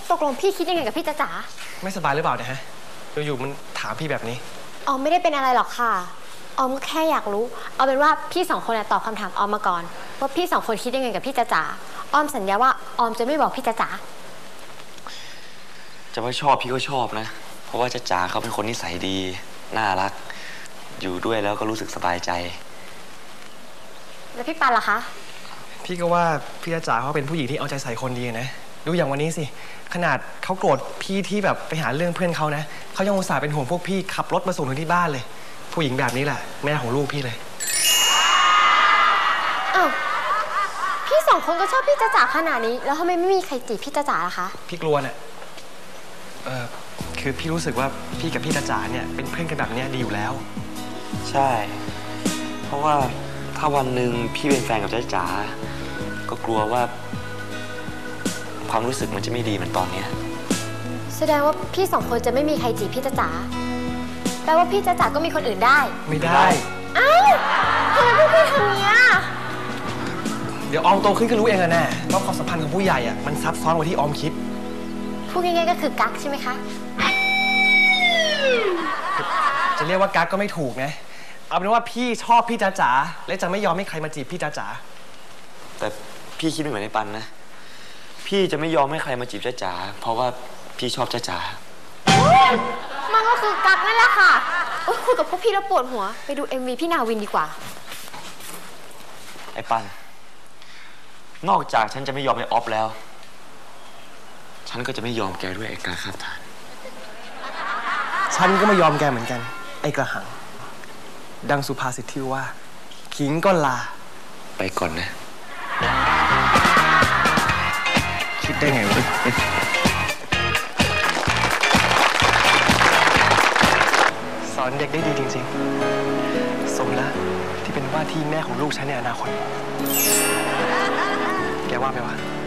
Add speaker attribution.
Speaker 1: ตกลงพี่คิดยังไงกับพี่จ๋า
Speaker 2: ไม่สบายหรือเปล่าเนี่ยฮะอยู่ๆมันถามพี่แบบนี้
Speaker 1: ออมไม่ได้เป็นอะไรหรอกค่ะออมแค่อยากรู้เอาเป็นว่าพี่สองคนตอบคำถามออมมาก่อนว่าพี่สองคนคิดยังไงกับพี่จ๋าออมสัญญาว่าออมจะไม่บอกพี่จ๋า
Speaker 3: จะว่าชอบพี่ก็ชอบนะเพราะว่าจ๋าเขาเป็นคนนิสัยดีน่ารักอยู่ด้วยแล้วก็รู้สึกสบายใจ
Speaker 1: แล้วพี่ปันล่ะคะ
Speaker 2: พี่ก็ว่าพี่จ๋าเขาเป็นผู้หญิงที่เอาใจใส่คนดีนะดูอย่างวันนี้สิขนาดเขาโกรธพี่ที่แบบไปหาเรื่องเพื่อนเขานะเขายังอุตส่าห์เป็นห่วงพวกพี่ขับรถมาส่งถึงที่บ้านเลยผู้หญิงแบบนี้แหละแม่ของลูกพี่เลย
Speaker 1: อ้าวพี่สองคนก็ชอบพี่จ๋าขนาดนี้แล้วทำไมไม่มีใครจีบพี่จ๋าล่ะคะ
Speaker 2: พี่กลัวน่ะคือพี่รู้สึกว่าพี่กับพี่จ๋าเนี่ยเป็นเพื่อนกันแบบนี้ดีอยู่แล้ว
Speaker 3: ใช่เพราะว่าถ้าวันหนึ่งพี่เป็นแฟนกับจ๋าก็กลัวว่าความรู้สึกมันจะไม่ดีเหมือนตอนนี้
Speaker 1: แสดงว่าพี่สองคนจะไม่มีใครจีบพี่จ๋าแปลว่าพี่จ๋าก็มีคนอื่นได้
Speaker 2: ไม่ได้
Speaker 1: อ้าวทำไมพวกพี่ทำเนี้ย
Speaker 2: เดี๋ยวออมโตขึ้นก็รู้เองแน่ว่าความสัมพันธ์ของผู้ใหญ่อะมันซับซ้อนกว่าที่ออมคิด
Speaker 1: พูดง่ายๆก็คือกั๊กใช่ไหมคะ
Speaker 2: จะเรียกว่ากั๊กก็ไม่ถูกนะเอาเป็นว่าพี่ชอบพี่จ๋าและจะไม่ยอมให้ใครมาจีบพี่จ๋า
Speaker 3: แต่พี่คิดไม่เหมือนในปันนะพี่จะไม่ยอมให้ใครมาจีบจ๋าเพราะว่าพี่ชอบจ๋า
Speaker 1: มันก็คือกั๊กนั่นแหละค่ะคุยกับพวกพี่แล้วปวดหัวไปดู MV พี่นาวินดีกว่า
Speaker 3: ไอ้ปันนอกจากฉันจะไม่ยอมไอ้ออฟแล้วฉันก็จะไม่ยอมแกด้วยไอ้กาคาบฐาน
Speaker 2: ฉันก็ไม่ยอมแกเหมือนกันไอ้กระหังดังสุภาษิตที่ว่าขิงก็ลา
Speaker 3: ไปก่อนนะ
Speaker 2: คิดได้ไงวะสอนเด็กได้ดีจริงๆสมแล้วที่เป็นว่าที่แม่ของลูกฉันในอนาคตแกว่าไหมวะ